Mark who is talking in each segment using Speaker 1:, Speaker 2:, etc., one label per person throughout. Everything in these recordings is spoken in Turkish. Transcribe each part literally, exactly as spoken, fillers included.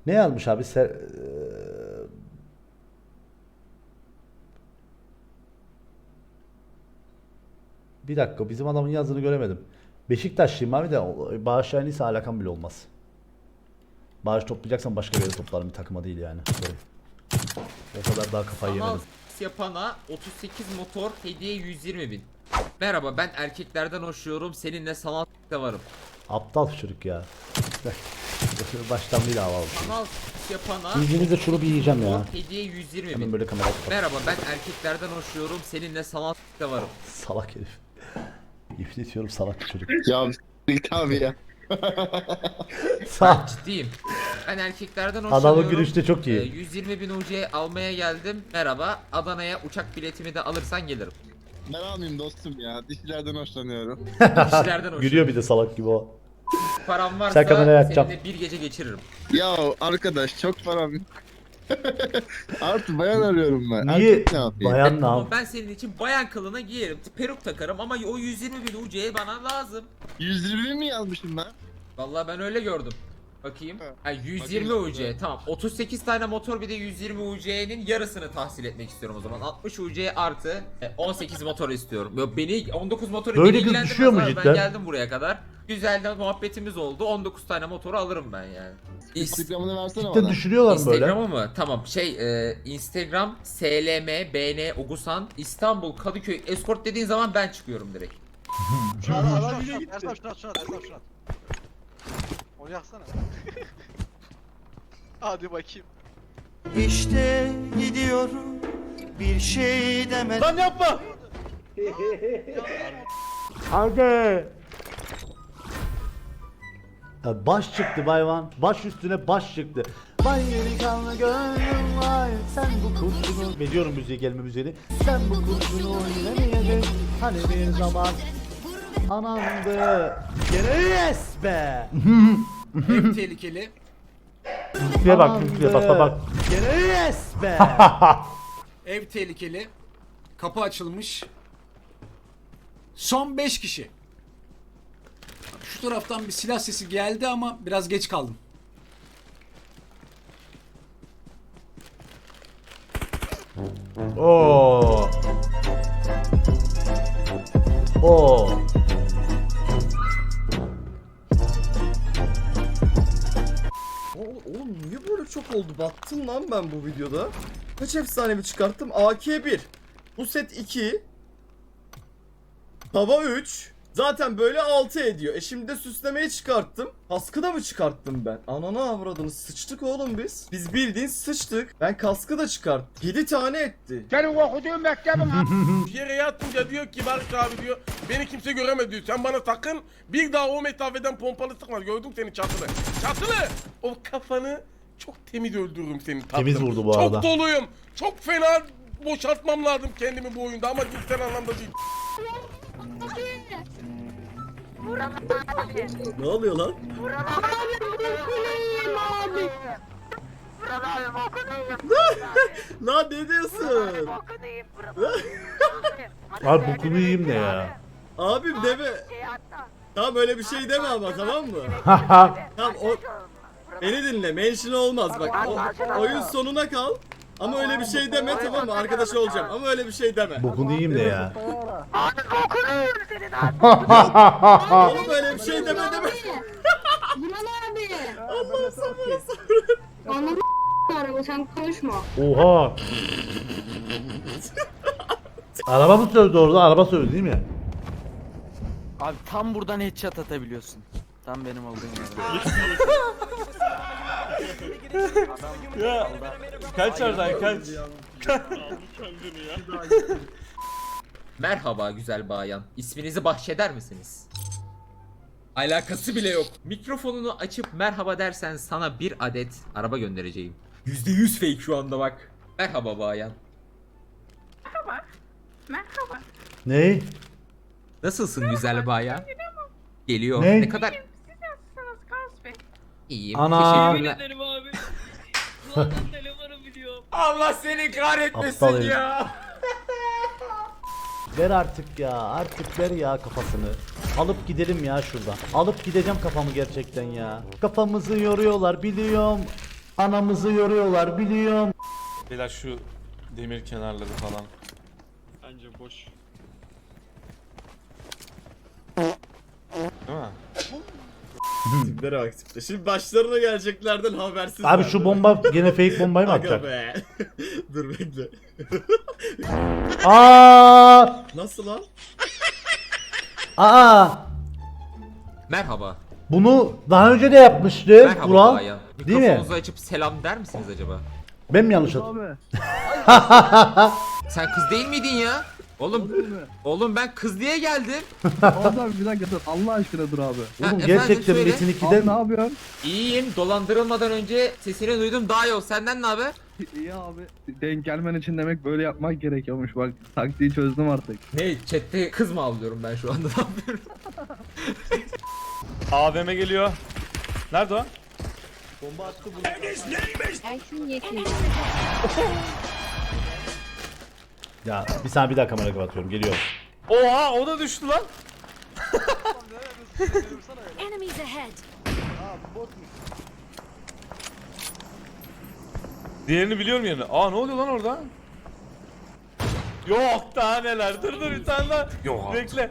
Speaker 1: Ne yazmış abi? Ser... Eee, Bir dakika, bizim adamın yazdığını göremedim. Beşiktaşlıyım abi de o- bağış aynıysa alakam bile olmaz. Bağış toplayacaksan başka bir yere toplarım, bir takıma değil yani. Sorry. O kadar daha kafayı
Speaker 2: Sanal
Speaker 1: yemedim.
Speaker 2: yapana otuz sekiz motor hediye yüz yirmi bin. Merhaba, ben erkeklerden hoşluyorum, seninle sanal de varım.
Speaker 1: Aptal çocuk ya. Baştan bir daha alalım.
Speaker 2: Sanal yapana
Speaker 1: İlginizle şunu bir yiyeceğim ya.
Speaker 2: motor hediye yüz yirmi
Speaker 1: Hemen
Speaker 2: bin.
Speaker 1: böyle kameraya kapat.
Speaker 2: Merhaba, ben erkeklerden hoşluyorum, seninle sanal de varım.
Speaker 1: Salak herif. Yemin ediyorum salak bir çocuk.
Speaker 3: Ya git abi ya.
Speaker 1: Sağ.
Speaker 2: Ciddiyim. Ben erkeklerden
Speaker 1: Adamın
Speaker 2: hoşlanıyorum.
Speaker 1: gülüşü de çok iyi.
Speaker 2: Ee, yüz yirmi bin U C almaya geldim. Merhaba, Adana'ya uçak biletimi de alırsan gelirim.
Speaker 3: Ben almayayım dostum ya. Dişilerden hoşlanıyorum.
Speaker 2: Kişilerden hoşlanıyorum.
Speaker 1: Gülüyor bir de salak gibi o.
Speaker 2: Param varsa
Speaker 1: Sen kameraya atacağım.
Speaker 2: seninle bir gece geçiririm.
Speaker 3: Ya arkadaş çok param. Artı bayan arıyorum ben.
Speaker 1: Niye
Speaker 3: Erkek ne yapayım?
Speaker 1: bayan ne
Speaker 2: Ama
Speaker 1: yap-
Speaker 2: ben senin için bayan kılığına giyerim. Peruk takarım ama o yüz yirmi bin U C bana lazım.
Speaker 3: yüz yirmi mi yazmışım ben?
Speaker 2: Vallahi ben öyle gördüm. Bakayım.
Speaker 3: Ha,
Speaker 2: Ha, yüz yirmi
Speaker 3: bakayım.
Speaker 2: U C tamam. otuz sekiz tane motor bir de yüz yirmi U C'nin yarısını tahsil etmek istiyorum o zaman. altmış U C artı e, on sekiz motor istiyorum. Yo, beni on dokuz motoru
Speaker 1: Böyle
Speaker 2: beni
Speaker 1: kız
Speaker 2: ilgilendirmez
Speaker 1: düşüyor mu
Speaker 2: abi.
Speaker 1: cidden?
Speaker 2: Ben geldim buraya kadar. Güzel de muhabbetimiz oldu. on dokuz tane motoru alırım ben yani. İst-
Speaker 3: Instagram'ını versene
Speaker 1: Cidden
Speaker 3: bana.
Speaker 1: düşürüyorlar mı böyle?
Speaker 2: Instagram'ı mı? Tamam şey e, Instagram S L M B N Ogusan İstanbul Kadıköy Escort dediğin zaman ben çıkıyorum direkt.
Speaker 4: Şuna adam yine gitti. Ersaf şuna şuna Ersaf şuna. Onu yaksana. Hadi bakayım.
Speaker 5: İşte gidiyorum bir şey demeden.
Speaker 4: Lan yapma.
Speaker 1: Hadi. Ya baş çıktı bayvan. Baş üstüne baş çıktı. Vay yeni kanlı gönlüm vay. Sen bu kurşunu... Veriyorum müziğe, gelme müziğini. Sen bu kurşunu oynamayaydın. Hani bir zaman anandı. Gene yes be.
Speaker 6: Hep tehlikeli.
Speaker 1: Türkiye bak, Türkiye bak bak bak. Gene yes be.
Speaker 6: Ev tehlikeli. Kapı açılmış. Son beş kişi. Şu taraftan bir silah sesi geldi ama biraz geç kaldım.
Speaker 1: Oo. Oo.
Speaker 7: Oğlum niye böyle çok oldu? Battım lan ben bu videoda. Kaç efsanevi çıkarttım? A K bir. Bu set iki. Tava üç. Zaten böyle altı ediyor. E şimdi de süslemeyi çıkarttım. Kaskı da mı çıkarttım ben? Ananı avradını sıçtık oğlum biz. Biz bildiğin sıçtık. Ben kaskı da çıkarttım. yedi tane etti.
Speaker 8: Senin okuduğun mektebin yere yatınca diyor ki Barış abi diyor beni kimse göremedi diyor. Sen bana sakın bir daha o mesafeden pompalı sıkma. Gördüm seni çatılı. Çatılı! O kafanı çok temiz öldürürüm seni tatlım.
Speaker 1: Temiz vurdu bu
Speaker 8: çok
Speaker 1: arada.
Speaker 8: Çok doluyum. Çok fena boşaltmam lazım kendimi bu oyunda ama cinsel anlamda değil.
Speaker 7: Ne oluyor lan? Lan ne diyorsun?
Speaker 1: Abi bokunu yiyeyim ne ya?
Speaker 7: Abim deme. Tamam öyle bir şey deme ama tamam mı? Tamam o... Beni dinle, mention olmaz bak. O, oyun sonuna kal. Ama öyle bir şey deme tamam mı? Arkadaş olacağım ama öyle bir şey deme.
Speaker 1: Bokunu yiyeyim ne ya?
Speaker 7: Oğlum öyle bir şey deme deme.
Speaker 9: Yunan abi.
Speaker 7: Allah sabır sabır.
Speaker 9: Anladın araba sen konuşma.
Speaker 1: Oha. Araba mı sövdü orada? Araba sövdü değil mi?
Speaker 5: Abi tam buradan headshot atabiliyorsun. Tam benim olduğum yerde.
Speaker 4: Ya kaç oradan kaç.
Speaker 2: Merhaba güzel bayan. İsminizi bahşeder misiniz? Alakası bile yok. Mikrofonunu açıp merhaba dersen sana bir adet araba göndereceğim. yüzde yüz fake şu anda bak. Merhaba bayan.
Speaker 9: Merhaba.
Speaker 1: Ne?
Speaker 2: Nasılsın güzel bayan? Geliyor.
Speaker 1: Ne?
Speaker 2: Ne kadar
Speaker 9: Siz nasılsınız Kars Bey?
Speaker 2: iyiyim.
Speaker 1: Ana.
Speaker 2: Teşekkürler.
Speaker 8: abi. telefonu biliyorum.
Speaker 2: Allah seni kahretmesin
Speaker 1: Aptal herif.
Speaker 2: ya.
Speaker 1: Ver artık ya. Artık ver ya kafasını. Alıp gidelim ya şuradan. Alıp gideceğim kafamı gerçekten ya. Kafamızı yoruyorlar biliyorum. Anamızı yoruyorlar biliyorum.
Speaker 10: Beyler şu demir kenarları falan.
Speaker 4: Bence boş.
Speaker 10: Değil mi?
Speaker 7: Tiplere bak tiplere. Şimdi başlarına geleceklerden habersiz.
Speaker 1: Abi şu bomba gene fake bombayı mı
Speaker 7: Aga
Speaker 1: atacak?
Speaker 7: be. Dur bekle.
Speaker 1: Aa!
Speaker 7: Nasıl lan?
Speaker 1: Aa!
Speaker 2: Merhaba.
Speaker 1: Bunu daha önce de yapmıştı
Speaker 2: Merhaba
Speaker 1: Vural.
Speaker 2: Bayan.
Speaker 1: Değil mi?
Speaker 2: Mikrofonunuzu açıp selam der misiniz acaba?
Speaker 1: Ben mi yanlış hatırlıyorum?
Speaker 2: Sen kız değil miydin ya? Oğlum, oğlum ben kız diye geldim.
Speaker 3: Abi bir dakika dur. Allah aşkına dur abi.
Speaker 1: Oğlum
Speaker 2: efendim,
Speaker 1: gerçekten
Speaker 2: söyle.
Speaker 1: Metin ikide
Speaker 3: yapıyorsun?
Speaker 2: İyiyim. Dolandırılmadan önce sesini duydum daha yok. Senden ne haber?
Speaker 3: İyi abi. Denk gelmen için demek böyle yapmak gerekiyormuş. Bak taktiği çözdüm artık.
Speaker 2: Ne? Chatte kız mı avlıyorum ben şu anda? Ne yapıyorum?
Speaker 10: A V M geliyor. Nerede o?
Speaker 9: Erkin yetin.
Speaker 1: Ya bir saniye bir daha kamera kapatıyorum geliyor.
Speaker 10: Oha o da düştü lan.
Speaker 9: Enemies ahead.
Speaker 10: Diğerini biliyorum yerini. Aa ne oluyor lan orada? Yok daha neler. Dur dur bir tane daha. Yok. Bekle.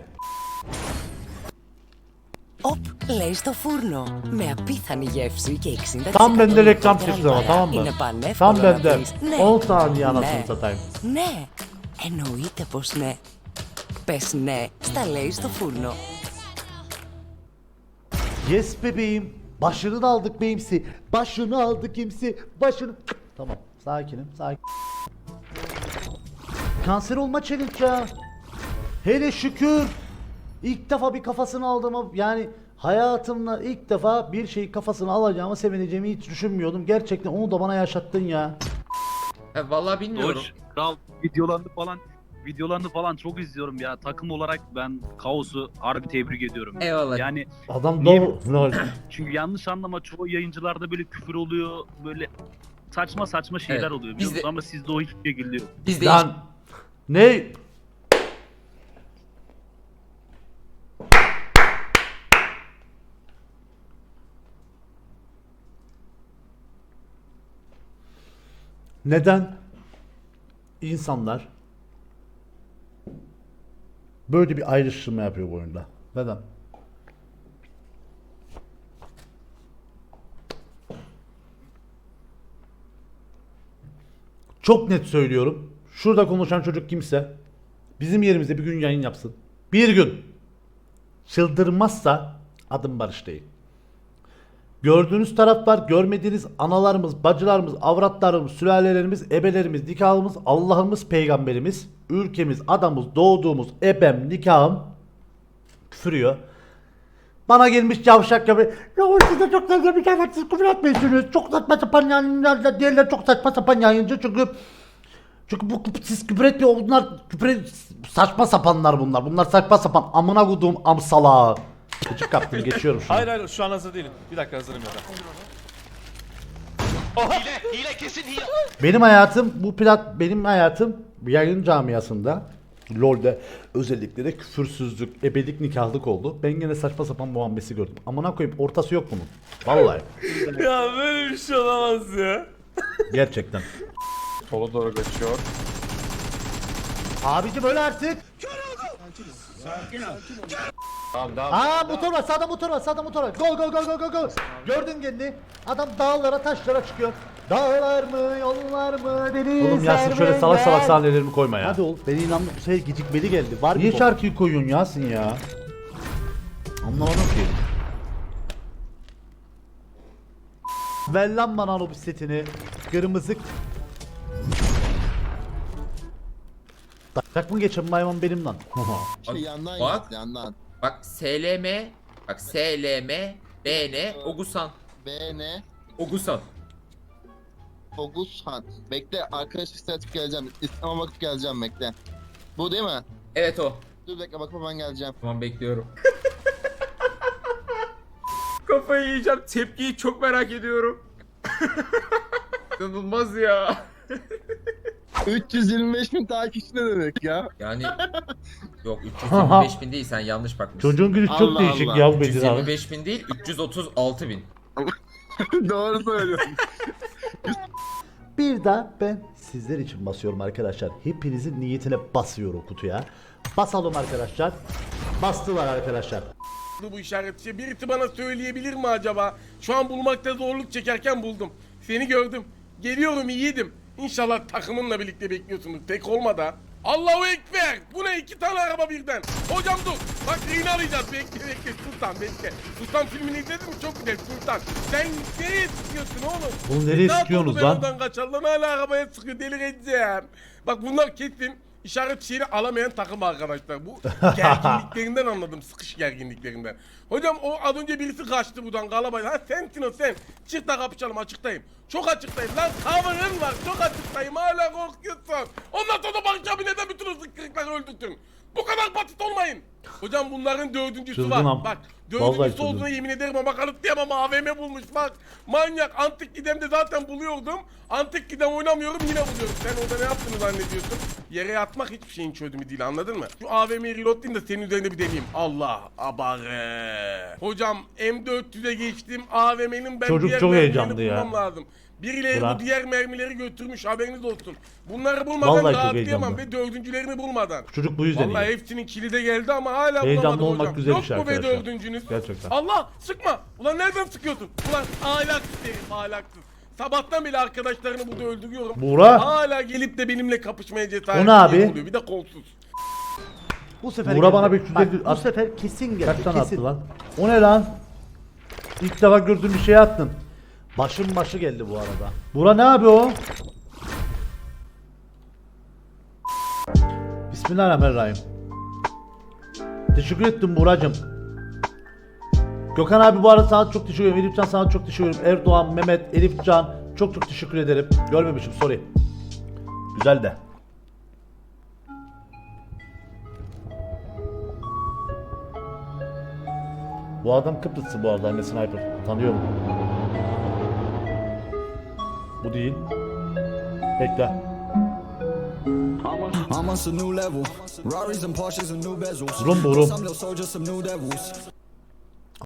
Speaker 11: Οπ, λέει στο φούρνο. Με απίθανη γεύση και εξήντα τοις εκατό
Speaker 1: Tam bende reklam
Speaker 11: λιγότερα
Speaker 1: çıktı ama
Speaker 11: λιβαρά.
Speaker 1: tamam mı?
Speaker 11: Είναι πανεύκολο
Speaker 1: Tam
Speaker 11: να
Speaker 1: bende.
Speaker 11: βρεις. Ναι.
Speaker 1: on saniye anasını
Speaker 11: Ναι.
Speaker 1: satayım.
Speaker 11: Ναι, εννοείται πως ναι. Πες ναι, στα λέει στο φούρνο.
Speaker 1: Yes bebeğim. Başını da aldık beyimsi. Başını aldık imsi. Başını... Tamam. Sakinim. Sakin. Kanser olma challenge ya. Hele şükür. İlk defa bir kafasını aldığımı yani hayatımda ilk defa bir şeyi kafasına alacağımı sevineceğimi hiç düşünmüyordum. Gerçekten onu da bana yaşattın ya.
Speaker 2: Ha, vallahi bilmiyorum.
Speaker 12: Kral videolarını falan videolarını falan çok izliyorum ya. Takım olarak ben Kaos'u harbi tebrik ediyorum.
Speaker 2: Eyvallah.
Speaker 12: Yani
Speaker 1: Adam
Speaker 12: Niye-
Speaker 1: doğru. Lol.
Speaker 12: çünkü yanlış anlama çoğu yayıncılarda böyle küfür oluyor. Böyle saçma saçma şeyler
Speaker 2: Evet,
Speaker 12: oluyor
Speaker 2: biz
Speaker 12: biliyor musun?
Speaker 2: de-
Speaker 12: Ama sizde o hiçbir şekilde yok.
Speaker 2: Biz de
Speaker 1: Lan ne? Neden insanlar böyle bir ayrıştırma yapıyor bu oyunda? Neden? Çok net söylüyorum. Şurada konuşan çocuk kimse bizim yerimizde bir gün yayın yapsın. Bir gün çıldırmazsa adım Barış değil. Gördüğünüz taraflar, görmediğiniz analarımız, bacılarımız, avratlarımız, sülalelerimiz, ebelerimiz, nikahımız, Allah'ımız, peygamberimiz, ülkemiz, adamız, doğduğumuz, ebem, nikahım küfürüyor. Bana gelmiş yavşak gibi. Ya o size çok saçma bir şey siz küfür etmiyorsunuz. Çok saçma sapan yayıncılar, diğerler çok saçma sapan yayıncı çünkü çünkü bu siz küfür etmiyor. Bunlar küfür et- saçma sapanlar bunlar. Bunlar saçma sapan amına koduğum am salağı. Küçük kaptım geçiyorum şunu.
Speaker 10: Hayır hayır şu an hazır değilim. Bir dakika hazırım ya da.
Speaker 4: Hile, hile kesin hile.
Speaker 1: Benim hayatım bu plat benim hayatım yayın camiasında LoL'de özellikle de küfürsüzlük, ebelik nikahlık oldu. Ben gene saçma sapan muhabbesi gördüm. Amına koyayım ortası yok bunun. Vallahi
Speaker 10: Ya böyle bir şey olamaz ya.
Speaker 1: gerçekten.
Speaker 10: Sola doğru kaçıyor.
Speaker 1: Abicim öyle artık.
Speaker 10: Tamam devam.
Speaker 1: Aa motor var sağda motor var sağda motor var. Go go go go go go. Gördün kendini. Adam dağlara taşlara çıkıyor. Dağlar mı yollar mı denizler
Speaker 13: Oğlum Yasin şöyle salak salak sahnelerimi koyma ya.
Speaker 1: Hadi oğlum beni inanma bu sefer gecikmeli geldi. Var
Speaker 13: Niye
Speaker 1: bir şarkıyı koyuyorsun Yasin ya? Anlamadım ki. Ver lan bana o setini. Kırmızı. Tak mı geçen maymun benim lan.
Speaker 3: Şey yandan
Speaker 2: Bak.
Speaker 3: yaz yandan.
Speaker 2: Bak S L M, bak S L M, B N, Ogusan.
Speaker 3: B ne?
Speaker 2: Ogusan.
Speaker 3: Oguzhan. Bekle arkadaş istatik geleceğim. İstem'e bakıp geleceğim bekle. Bu değil mi?
Speaker 2: Evet o.
Speaker 3: Dur bekle bakıp ben geleceğim.
Speaker 2: Tamam bekliyorum. Kafayı yiyeceğim. Tepkiyi çok merak ediyorum. İnanılmaz ya.
Speaker 3: üç yüz yirmi beş bin takipçi ne demek ya?
Speaker 2: Yani yok üç yüz yirmi beş bin değil sen yanlış bakmışsın.
Speaker 1: Çocuğun gülüşü çok
Speaker 3: Allah
Speaker 1: değişik
Speaker 3: Allah.
Speaker 1: ya
Speaker 2: üç
Speaker 1: Bedir
Speaker 2: yüz
Speaker 1: abi.
Speaker 2: yirmi beş bin değil üç yüz otuz altı bin.
Speaker 3: Doğru söylüyorsun.
Speaker 1: Bir de ben sizler için basıyorum arkadaşlar. Hepinizin niyetine basıyor o kutuya. Basalım arkadaşlar. Bastılar arkadaşlar.
Speaker 8: Bu işaretçi birisi bana söyleyebilir mi acaba? Şu an bulmakta zorluk çekerken buldum. Seni gördüm. Geliyorum yiğidim. İnşallah takımınla birlikte bekliyorsunuz. Tek olmadan. Allahu Ekber. Bu ne iki tane araba birden. Hocam dur. Bak reyini arayacağız. Bekle bekle. Sultan bekle. Sultan filmini izledin mi? Çok güzel Sultan. Sen nereye sıkıyorsun oğlum?
Speaker 1: Bunu nereye
Speaker 8: Daha
Speaker 1: sıkıyorsunuz
Speaker 8: doğru ben
Speaker 1: lan?
Speaker 8: oradan kaçar lan hala arabaya sıkıyor. Delireceğim. Bak bunlar kesin işaret şeyini alamayan takım arkadaşlar. Bu gerginliklerinden anladım. Sıkış gerginliklerinden. Hocam o az önce birisi kaçtı buradan kalabalık. Ha sensin o sen. Çık da kapışalım açıktayım. Çok açıktayım lan cover'ın var. Çok açıktayım hala korkuyorsun. Ondan sonra bakacağım neden bütün hızlı kırıkları öldürdün. Bu kadar basit olmayın. Hocam bunların dördüncüsü
Speaker 1: Çılgınım.
Speaker 8: var. Bak
Speaker 1: Vallahi
Speaker 8: dördüncüsü
Speaker 1: çılgın.
Speaker 8: olduğuna yemin ederim ama kanıtlayamam. A V M bulmuş bak. Manyak antik gidemde zaten buluyordum. Antik gidem oynamıyorum yine buluyorum. Sen orada ne yaptığını zannediyorsun? Yere yatmak hiçbir şeyin çözümü değil anladın mı? Şu A V M'yi reloadlayayım da senin üzerinde bir deneyeyim. Allah abare. Hocam M dört yüze geçtim. A V M'nin ben
Speaker 1: Çocuk
Speaker 8: diğer
Speaker 1: çok
Speaker 8: mermilerini
Speaker 1: heyecanlı ya.
Speaker 8: bulmam lazım. Birileri
Speaker 1: Bırak.
Speaker 8: bu diğer mermileri götürmüş haberiniz olsun. Bunları bulmadan
Speaker 1: Vallahi çok
Speaker 8: rahatlayamam
Speaker 1: heyecanlı.
Speaker 8: ve dördüncülerini bulmadan.
Speaker 1: Çocuk bu yüzden
Speaker 8: Vallahi
Speaker 1: iyi.
Speaker 8: hepsinin kilide geldi ama hala
Speaker 1: Heyecanlı
Speaker 8: bulamadım
Speaker 1: olmak
Speaker 8: hocam.
Speaker 1: güzel
Speaker 8: Yok
Speaker 1: bir şey
Speaker 8: mu be
Speaker 1: arkadaşlar.
Speaker 8: dördüncünüz?
Speaker 1: Gerçekten.
Speaker 8: Allah sıkma. Ulan nereden sıkıyorsun? Ulan ahlaksız herif ahlaksız. Sabahtan beri arkadaşlarını burada öldürüyorum.
Speaker 1: Buğra.
Speaker 8: Hala gelip de benimle kapışmaya cesaret
Speaker 1: O ne abi?
Speaker 8: ediyor. Bir de kolsuz.
Speaker 1: Bu sefer Buğra bana beş yüz elli bu sefer kesin geldi. Kaç tane attı lan? O ne lan? İlk defa gördüğüm bir şey attın. Başım başı geldi bu arada. Buğra ne yapıyor o? Bismillahirrahmanirrahim. Teşekkür ettim Buğracım. Gökhan abi bu arada sana çok teşekkür ederim. Elifcan sana çok teşekkür ederim. Erdoğan, Mehmet, Elifcan çok çok teşekkür ederim. Görmemişim sorry. Güzel de. Bu adam Kıbrıslı bu arada, anne sniper. Tanıyorum. Bu değil. Bekle.
Speaker 14: I'm on some new level. Rarries and Porsches and new bezels.
Speaker 1: Brum brum.
Speaker 14: Some little soldiers, some new devils.